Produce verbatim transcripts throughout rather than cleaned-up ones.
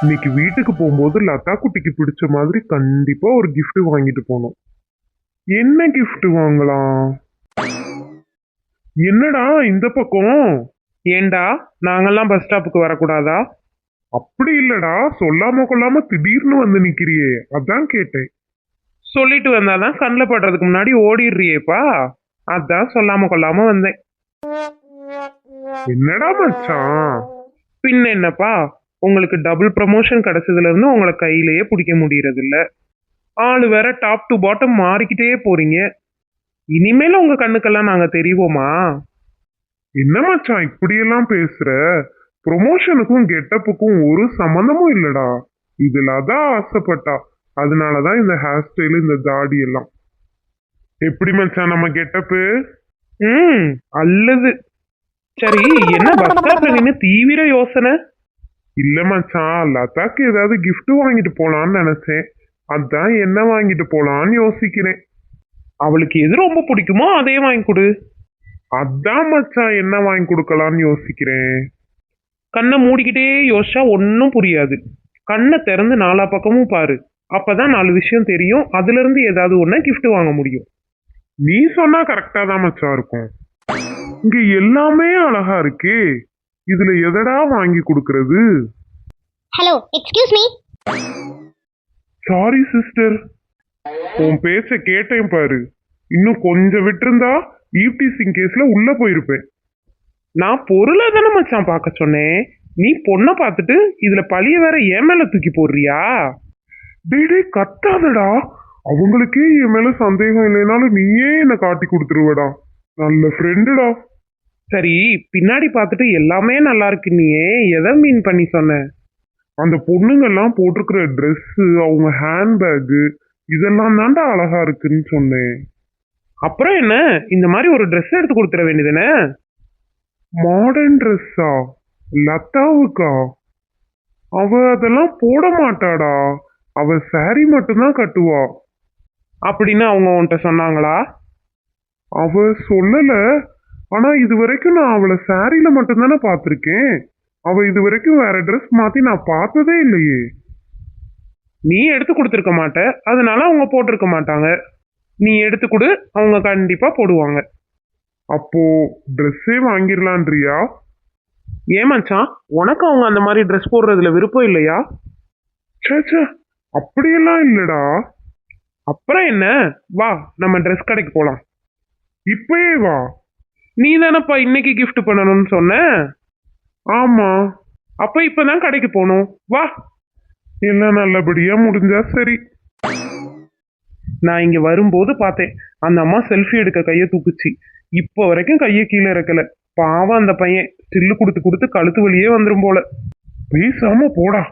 இன்னைக்கு வீட்டுக்கு போகும்போது லதா குட்டிக்கு பிடிச்ச மாதிரி கண்டிப்பா ஒரு gift வாங்கிட்டு போகணும். என்ன gift வாங்கலாம்? என்னடா இந்த பக்கம்? ஏண்டா நாங்கெல்லாம் பஸ் ஸ்டாப்புக்கு வரக்கூடாதா? அப்படி இல்லடா, சொல்லாம கொள்ளாம திடீர்னு வந்து நிக்கிறியே, அதான் கேட்டேன். சொல்லிட்டு வந்தாதான் கண்ணில் படுறதுக்கு முன்னாடி ஓடிடுறியேப்பா. அதான் சொல்லாம கொள்ளாம வந்தேன். என்னடா மச்சான்? பின்ன என்னப்பா, உங்களுக்கு டபுள் ப்ரமோஷன் கிடைச்சதுல இருந்து உங்களை கையிலேயே பிடிக்க முடியறது இல்ல. ஆளு வேற டாப் டு பாட்டம் மாறிக்கிட்டே போறீங்க. இனிமேல உங்க கண்ணுக்கெல்லாம் நாங்க தெரிவோமா? என்ன மச்சான் இப்படியெல்லாம் பேசுற? ப்ரொமோஷனுக்கும் கெட்டப்புக்கும் ஒரு சம்மந்தமும் இல்லடா. இதுல அதான் ஆசைப்பட்டா, அதனாலதான் இந்த ஹேர் ஸ்டைல், இந்த தாடி எல்லாம். எப்படி மச்சான் நம்ம கெட்டப்பு? ம் அல்லது. சரி, என்ன பஸ் ஸ்டாப்ல நின்று தீவிர யோசனை? இல்ல மச்சான், லதாக்கு ஏதாவது gift வாங்கிட்டு போலான்னு நினைச்சேன். அதான் என்ன வாங்கிட்டு போலான்னு யோசிக்கிறேன். அவளுக்கு எது ரொம்ப பிடிக்குமோ அதே வாங்கி கொடு. அதான் மச்சான் என்ன வாங்கி கொடுக்கலான்னு யோசிக்கிறேன். கண்ணை மூடிக்கிட்டே யோசிச்சா ஒன்றும் புரியாது. கண்ணை திறந்து நாலா பக்கமும் பாரு. அப்பதான் நாலு விஷயம் தெரியும். அதுல இருந்து ஏதாவது ஒண்ணு gift வாங்க முடியும். நீ சொன்னா கரெக்டா தான் மச்சான் இருக்கும். இங்க எல்லாமே அழகா இருக்கே, இதுல எதடா வாங்கி கொடுக்கறது? Hello, excuse me. Sorry sister, உன் பேச்ச கேட்டேன் பாரு. இன்னும் கொஞ்சம் விட்டிருந்தா ஈவ்டீசிங் கேஸ்ல உள்ள போயிருப்பேன். நான் பொருளை தானே மச்சான் பார்க்க சொன்னேன். நீ பொண்ணை பார்த்துட்டு இதுல பழிய வேற என் மேல தூக்கி போடுறியா? டேய் டேய் கத்தாதடா, அவங்களுக்கே என் மேல சந்தேகம் இல்லைனாலும் நீயே என்ன காட்டி கொடுத்துருவடா. நல்ல ஃப்ரெண்டுடா. சரி, பின்னாடி பார்த்துட்டு எல்லாமே நல்லா இருக்கு. நீயே எதை மீன் பண்ணி சொன்ன? அந்த பொண்ணுங்கெல்லாம் போட்டிருக்கிற ட்ரெஸ், அவங்க ஹேண்ட்பேக்கு இதெல்லாம் தாண்டா அழகா இருக்குன்னு சொன்னேன். அப்புறம் என்ன, இந்த மாதிரி ஒரு ட்ரெஸ் எடுத்து கொடுத்துட வேண்டியதுனே. மாடர்ன் ட்ரெஸ்ஸா? லதாவுக்கா? அவ அதெல்லாம் போட மாட்டாடா, அவ சாரி மட்டும்தான் கட்டுவா. அப்படின்னு அவங்க உன்கிட்ட சொன்னாங்களா? அவ சொல்லல, ஆனா இது வரைக்கும் நான் அவளை சாரியில மட்டும்தானே பார்த்திருக்கேன். அவ இது வரைக்கும் வேற ட்ரெஸ் மாத்தி நான் பார்த்ததே இல்லையே. நீ எடுத்து கொடுத்துருக்க மாட்ட, அதனால அவங்க போட்டிருக்க மாட்டாங்க. நீ எடுத்து கொடு, அவங்க கண்டிப்பா போடுவாங்க. அப்போ ட்ரெஸ்ஸே வாங்கிடலான்றியா? ஏன் மச்சான், உனக்கு அவங்க அந்த மாதிரி ட்ரெஸ் போடுறதுல விருப்பம் இல்லையா? சேச்சே, அப்படியெல்லாம் இல்லடா. அப்புறம் என்ன, வா நம்ம ட்ரெஸ் கடைக்கு போலாம். இப்பயே வா. நீ தானப்பா இன்னைக்கு gift பண்ணணும்னு சொன்ன. ஆமா, அப்ப இப்பதான் கடைக்கு போகணும், வா. எல்லாம் நல்லபடியா முடிஞ்சா சரி. நான் இங்க வரும்போது பார்த்தேன், அந்த அம்மா செல்ஃபி எடுக்க கையை தூக்குச்சு. இப்போ வரைக்கும் கையை கீழே இறக்கல. பாவம் அந்த பையன், ஸ்டில்லு கொடுத்து கொடுத்து கழுத்து வலியே வந்துரும் போல. பேசாம போடா.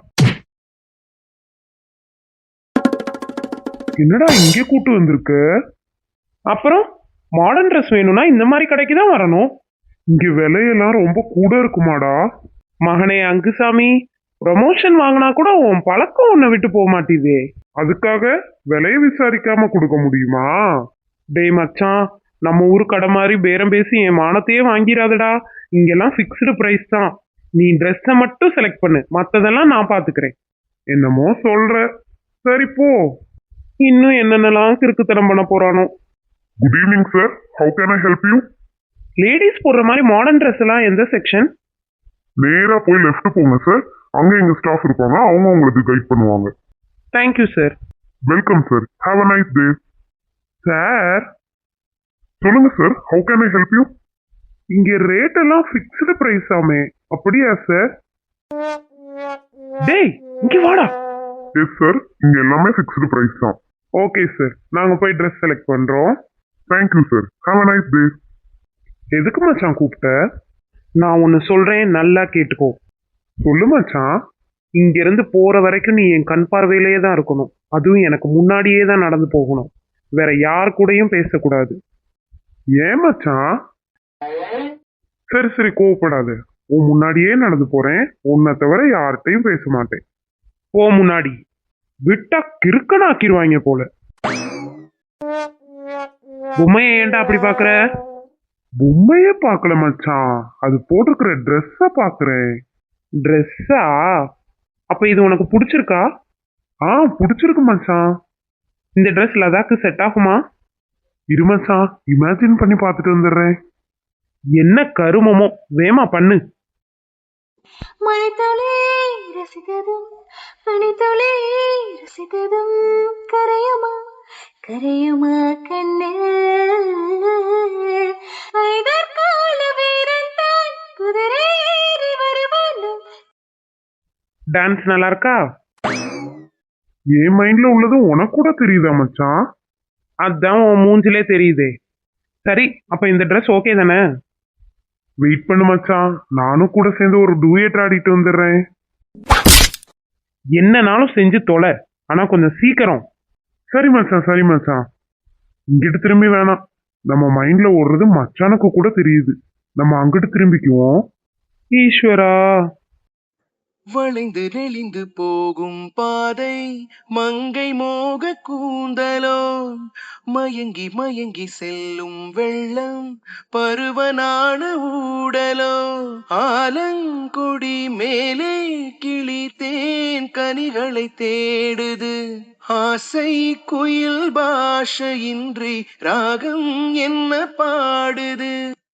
என்னடா இங்கே கூட்டு வந்திருக்க? அப்புறம் மாடர்ன் ட்ரெஸ் வேணும்னா இந்த மாதிரி கடைக்கு தான் வரணும். இங்க விலையெல்லாம் ரொம்ப கூட இருக்குமாடா? மகனே அங்குசாமி, ப்ரமோஷன் வாங்கினா கூட உன் பழக்கம் உன்னை விட்டு போக மாட்டேதே. அதுக்காக விலைய விசாரிக்காம கொடுக்க முடியுமா? டேய் மச்சான், நம்ம ஊரு கடை மாதிரி பேரம் பேசி என் மானத்தையே வாங்கிடாதடா. இங்கெல்லாம் ஃபிக்ஸ்டு ப்ரைஸ் தான். நீ ட்ரெஸ்ஸை மட்டும் செலக்ட் பண்ணு, மற்றதெல்லாம் நான் பார்த்துக்கிறேன். என்னமோ சொல்ற, சரி போ. இன்னும் என்னென்னலாம் கிறுக்குத்தனம் பண்ண போறானோ. Good evening sir, how can I help you? Ladies போடுற மாதிரி மாடர்ன் ட்ரெஸ் எல்லாம் எந்த செக்ஷன்? நேரா போய் லெஃப்ட் போங்க சார், அங்க எங்க ஸ்டாஃப் இருப்பாங்க, அவங்க உங்களுக்கு கைட் பண்ணுவாங்க. Thank you sir. Welcome sir, have a nice day. Sir, சொல்லுங்க sir, how can I help you? இங்க ரேட் எல்லாம் ஃபிக்ஸ்டு பிரைஸ் ஆமே, அப்படியா சார்? டேய் இங்க வாடா. எஸ் சார், இங்க எல்லாமே ஃபிக்ஸ்டு பிரைஸ் தான். ஓகே சார், நாங்க போய் ட்ரெஸ் செலக்ட் பண்றோம். Thank you sir, have a nice day. எதுக்கு மச்சான் கூப்பிட்ட? நான் ஒன்னு சொல்றேன், நல்லா கேட்டுக்கோ. சொல்லு மச்சான். இங்க இருந்து போற வரைக்கும் நீ என் கண் பார்வையிலேயே தான் இருக்கணும். அதுவும் எனக்கு முன்னாடியே தான் நடந்து போகணும். வேற யார் கூடயும் பேசக்கூடாது. ஏன் மச்சான்? சரி சரி, கோவப்படாது. உன் முன்னாடியே நடந்து போறேன், உன்னை தவிர யார்கிட்டையும் பேச மாட்டேன். போ முன்னாடி, விட்டா கிறுக்கனாக்கிடுவாங்க போல. பொம்மையை ஏன்டா அப்படி பாக்குற? பொம்மைய பாக்கல மச்சான், அது போட்டிருக்கிற ட்ரெஸ்ஸ பாக்குறேன். ட்ரெஸ்ஸா? அப்ப இது உனக்கு பிடிச்சிருக்கா? ஆ பிடிச்சிருக்கு மச்சான். இந்த ட்ரெஸ் லதாக்கு செட் ஆகுமா? இரு மச்சான், இமேஜின் பண்ணி பார்த்துட்டு வந்துடுறேன். என்ன கருமமோ, வேமா பண்ணு. மழைத்துளி ரசித்ததும் பனித்துளி ரசித்ததும் கரையுமா கரையுமா கண்ணில் ஐதற்கால வீரன் தான் குதிரை ஏறி வருவானோ. டான்ஸ் நல்லா இருக்கா? என் மைண்ட்ல உள்ளது உனக்கு கூட தெரியுதா மச்சான்? அதான் உன் மூஞ்சிலே தெரியுதே. சரி, அப்ப இந்த ட்ரெஸ் ஓகே தானே? வெயிட் பண்ணு மச்சான், நானும் கூட சேர்ந்து ஒரு டூயட் ஆடிட்டு வந்துடுறேன். என்னனாலும் செஞ்சு தொலை, ஆனா கொஞ்சம் சீக்கிரம். சரி மச்சான், சரி மச்சான். இங்கிட்டு திரும்பி வேணாம், நம்ம மைண்ட்ல ஓடுறது மச்சானுக்கு கூட தெரியுது. நம்ம அங்கிட்டு திரும்பிக்குவோம். ஈஸ்வரா. வளைந்து நெளிந்து போகும் பாதை மங்கை மோக கூந்தலோ மயங்கி மயங்கி செல்லும் வெள்ளம் பருவனான ஊடலோ ஆலங்கொடி மேலே கிளி தேன் கனிகளை தேடுது ஆசை குயில் பாஷையின்றி ராகம் என்ன பாடுது.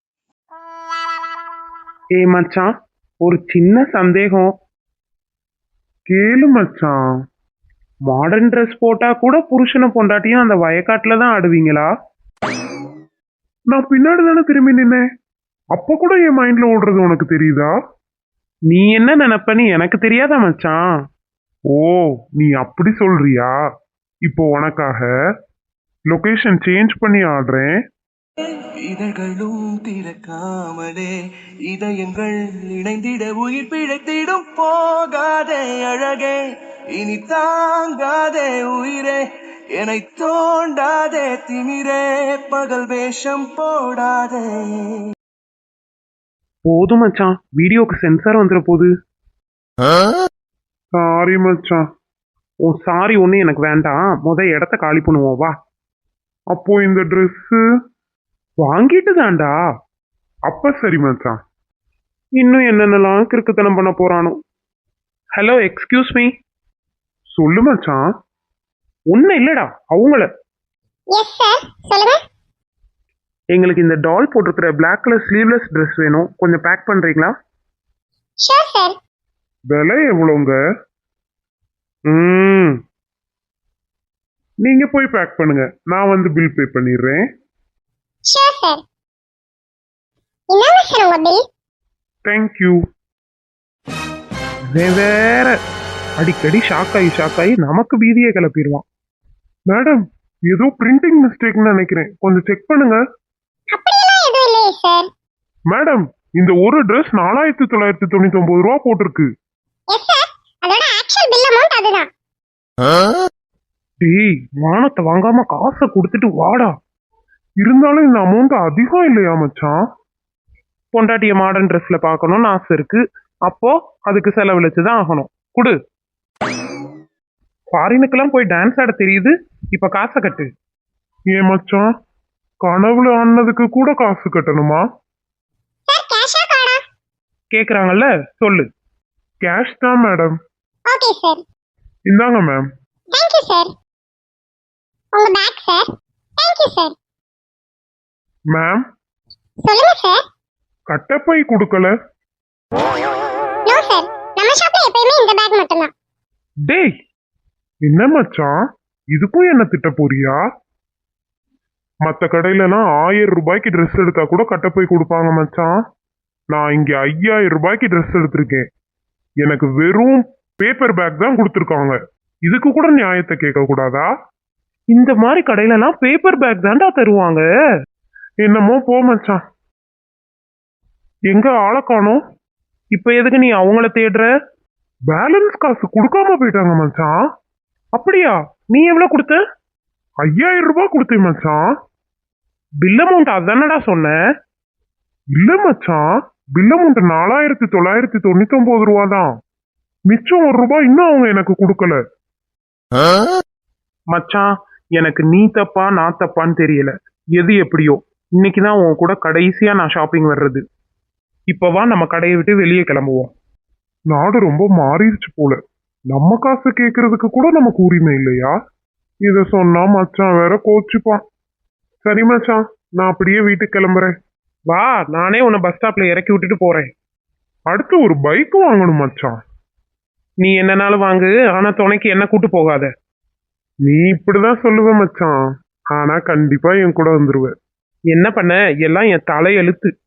ஏ மச்சான், ஒரு சின்ன சந்தேகம். கேளு மச்சான். மாடர்ன் ட்ரெஸ் போட்டா கூட புருஷனை பொண்டாட்டியும் அந்த வயக்காட்டுல தான் ஆடுவீங்களா? நான் பின்னாடி தானே திரும்பி நின்னேன், அப்ப கூட என் மைண்ட்ல ஓடுறது உனக்கு தெரியுதா? நீ என்ன நினைப்பன்னு எனக்கு தெரியாதா மச்சான்? ஓ, நீ அப்படி சொல்றியா? இப்போ உனக்காக லொகேஷன் சேஞ்ச் பண்ணி ஆடுறேன். இதழ்களும் திறக்காமலே இதயங்கள் இணைந்திட உயிர் பிழைத்திடும் போகாதே அழகே இனி தாங்காதே உயிரே என்னை தோண்டாதே திமிரே பகல் வேஷம் போடாதே. போதும் மச்சான், வீடியோக்கு சென்சார் வந்துட போகுது. சாரி மச்சான். ஓ சாரி ஒண்ணு எனக்கு வேண்டாம், முத இடத்த காலி பண்ணுவோம் வா. அப்போ இந்த ட்ரெஸ்ஸு வாங்கிட்டு தான்டா. அப்ப சரி மச்சான். இன்னும் என்னென்னலாம் கிறுக்குத்தனம் பண்ண போறானோ. Hello, excuse me. சொல்லு மச்சான். ஒன்னும் இல்லடா, அவங்கள. எஸ் சார், சொல்லுங்க. எங்களுக்கு இந்த டால் போட்டிருக்கிற பிளாக் கலர் ஸ்லீவ்லெஸ் ட்ரெஸ் வேணும், கொஞ்சம் பேக் பண்றீங்களா? Sure sir. விலை எவ்வளோங்க? ம் நீங்க போய் பேக் பண்ணுங்க, நான் வந்து பில் பே பண்ணிடுறேன். Sure sir. என்னங்க சார் உங்க பில்? தேங்க்யூ. வேற அடிக்கடி ஷாக் ஆகி ஷாக் ஆகி நமக்கு பீதியை கிளப்பிடுவான். மேடம், ஏதோ பிரிண்டிங் மிஸ்டேக்னு நினைக்கிறேன், கொஞ்சம் செக் பண்ணுங்க. அப்படியெல்லாம் எதுவும் இல்லையே சார். மேடம், இந்த ஒரு ட்ரெஸ் நாலாயிரத்தி தொள்ளாயிரத்தி தொண்ணூத்தி ஒன்பது ரூபா போட்டிருக்கு. எஸ் சார், அதோட ஆக்சுவல் பில் அமௌண்ட் அதுதான். டேய், மானத்தை வாங்காம காசை கொடுத்துட்டு வாடா. இருந்தாலும் இந்த அமௌண்ட் அதிகம் இல்லையா மச்சான்? பொண்டாட்டிய மாடர்ன் ட்ரெஸ்ல பார்க்கணும்னு ஆசை இருக்கு, அப்போ அதுக்கு செலவழிச்சு தான் ஆகணும். குடு. ஃபாரினுக்கெல்லாம் போய் டான்ஸ் ஆட தெரியுது, இப்ப காசை கட்டு. ஏன் மச்சான், கனவுல ஆனதுக்கு கூட காசு கட்டணுமா? சார் கேஷா கார்டா? கேக்குறாங்கல்ல, சொல்லு. கேஷ் தான் மேடம். Okay sir. இந்தாங்க மேம். Thank you sir. உங்க bag sir. Thank you sir. Ma'am, சொல்லுங்க சார். கட்டப்பை கொடுக்கல. நோ சார், நம்ம ஷாப்ல எப்பயுமே இந்த பேக் மட்டும்தான். டேய், என்ன மச்சான், இதுக்கும் என்ன திட்ட போறியா? மற்ற கடையிலலாம் ஆயிரம் ரூபாய்க்கு ட்ரெஸ் எடுத்தா கூட கட்டப்பை கொடுப்பாங்க மச்சான். நான் இங்க ஐயாயிரம் ரூபாய்க்கு ட்ரெஸ் எடுத்திருக்கேன், எனக்கு வெறும் பேப்பர் பேக் தான் கொடுத்துருக்காங்க. இதுக்கு கூட நியாயத்தை கேட்க கூடாதா? இந்த மாதிரி கடையிலலாம் பேப்பர் பேக் தான்டா தருவாங்க. என்னமோ போ மச்சான். எங்க ஆளை காணோம்? இப்ப எதுக்கு நீ அவங்கள தேடுற? பேலன்ஸ் காசு கொடுக்காம போயிட்டாங்க மச்சான். அப்படியா? நீ எவ்வளவு கொடுத்த? ஐயாயிரம் ரூபாய் கொடுத்தேன் மச்சான். பில் அமௌண்ட் அதானடா சொன்ன? இல்ல மச்சான், பில் அமௌண்ட் நாலாயிரத்தி தொள்ளாயிரத்தி தொண்ணூத்தி ஒன்பது ரூபா தான். மிச்சம் ஒரு ரூபாய் இன்னும் அவங்க எனக்கு கொடுக்கல. மச்சான், எனக்கு நீ தப்பா நான் தப்பான்னு தெரியல, எது எப்படியோ இன்னைக்குதான் உன் கூட கடைசியா நான் ஷாப்பிங் வர்றது. இப்பவா நம்ம கடையை விட்டு வெளியே கிளம்புவோம். நாடு ரொம்ப மாறிடுச்சு போல. நம்ம காசு கேட்கறதுக்கு கூட நமக்கு உரிமை இல்லையா? இத சொன்னா மச்சான் வேற கோச்சுப்பான். சரி மச்சான், நான் அப்படியே வீட்டுக்கு கிளம்புறேன். வா, நானே உன்னை பஸ் ஸ்டாப்ல இறக்கி விட்டுட்டு போறேன். அடுத்து ஒரு பைக் வாங்கணும் மச்சான். நீ என்னனாலும் வாங்கு, ஆனா துணைக்கு என்ன கூட்டு போகாத. நீ இப்படிதான் சொல்லுவ மச்சான், ஆனா கண்டிப்பா என் கூட வந்துருவ. என்ன பண்ண, எல்லாம் என் தலையெழுத்து.